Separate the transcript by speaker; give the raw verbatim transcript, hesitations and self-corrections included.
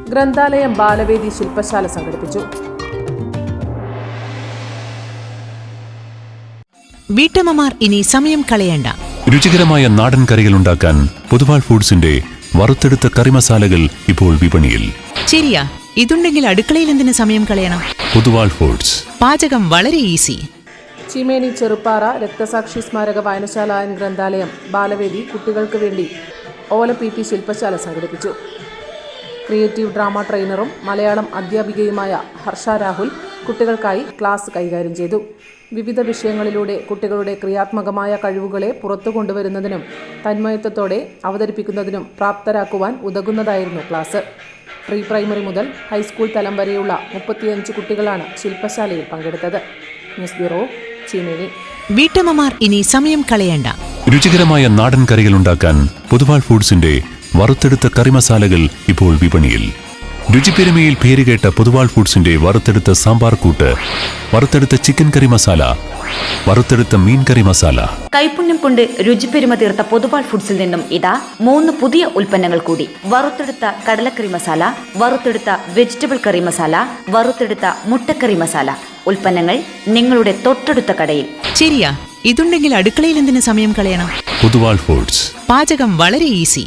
Speaker 1: ഗ്രന്ഥാലയം ബാലവേദി ശില്പശാല സംഘടിപ്പിച്ചു.
Speaker 2: വീട്ടമ്മമാർ ഇനി സമയം കളയണ്ട.
Speaker 3: രുചികരമായ നാടൻ കറികൾ ഉണ്ടാക്കാൻ പൊതുവാൾ ഫുഡ്സിന്റെ വറുത്തെടുത്ത കറി മസാലകൾ ഇപ്പോൾ വിപണിയിൽ.
Speaker 2: ശരിയാ, ഇതുണ്ടെങ്കിൽ അടുക്കളയിൽ എന്തിനു സമയം കളയണം?
Speaker 3: പൊതുവാൾ ഫുഡ്സ്.
Speaker 2: പാചകം വളരെ ഈസി.
Speaker 1: ചീമേനി ചെറുപ്പാറ രക്തസാക്ഷി സ്മാരക വായനശാല ആൻഡ് ഗ്രന്ഥാലയം ബാലവേദി കുട്ടികൾക്ക് വേണ്ടി ഓല പി പി ശില്പശാല സംഘടിപ്പിച്ചു. ക്രിയേറ്റീവ് ഡ്രാമ ട്രെയിനറും മലയാളം അധ്യാപികയുമായ ഹർഷ രാഹുൽ കുട്ടികൾക്കായി ക്ലാസ് കൈകാര്യം ചെയ്തു. വിവിധ വിഷയങ്ങളിലൂടെ കുട്ടികളുടെ ക്രിയാത്മകമായ കഴിവുകളെ പുറത്തു കൊണ്ടുവരുന്നതിനും തന്മയത്വത്തോടെ അവതരിപ്പിക്കുന്നതിനും പ്രാപ്തരാക്കുവാൻ ഉതകുന്നതായിരുന്നു ക്ലാസ്. പ്രീ പ്രൈമറി മുതൽ ഹൈസ്കൂൾ തലം വരെയുള്ള മുപ്പത്തിയഞ്ച് കുട്ടികളാണ് ശില്പശാലയിൽ പങ്കെടുത്തത്. News bureau, Cheemeni.
Speaker 2: വീട്ടമ്മമാർ ഇനി സമയം കളയണ്ട.
Speaker 3: രുചികരമായ നാടൻ കറികൾ ഉണ്ടാക്കാൻ പൊതുവാൾ ഫുഡ്സിന്റെ വറുത്തെടുത്ത കറി മസാലകൾ ഇപ്പോൾ വിപണിയിൽ. രുചിപ്പെരുമയിൽ പേരുകേട്ട പൊതുവാൾ ഫുഡ്സിന്റെ വറുത്തെടുത്ത സാമ്പാർ കൂട്ട്, വറുത്തെടുത്ത ചിക്കൻ കറി മസാല, വറുത്തെടുത്ത മീൻ കറി മസാല.
Speaker 4: കൈപുണ്യം കൊണ്ട് രുചിപ്പെരുമ തീർത്ത പൊതുവാൾ ഫുഡ്സിൽ നിന്നും ഇതാ മൂന്ന് പുതിയ ഉൽപ്പന്നങ്ങൾ കൂടി. വറുത്തെടുത്ത കടലക്കറി മസാല, വറുത്തെടുത്ത വെജിറ്റബിൾ കറി മസാല, വറുത്തെടുത്ത മുട്ടക്കറി മസാല. ഉൽപ്പന്നങ്ങൾ നിങ്ങളുടെ തൊട്ടടുത്ത കടയിൽ.
Speaker 2: ശരിയാ, ഇതുണ്ടെങ്കിൽ അടുക്കളയിൽ എന്തിനു സമയം കളയണം?
Speaker 3: പൊതുവാൾ ഫുഡ്സ്.
Speaker 2: പാചകം വളരെ ഈസി.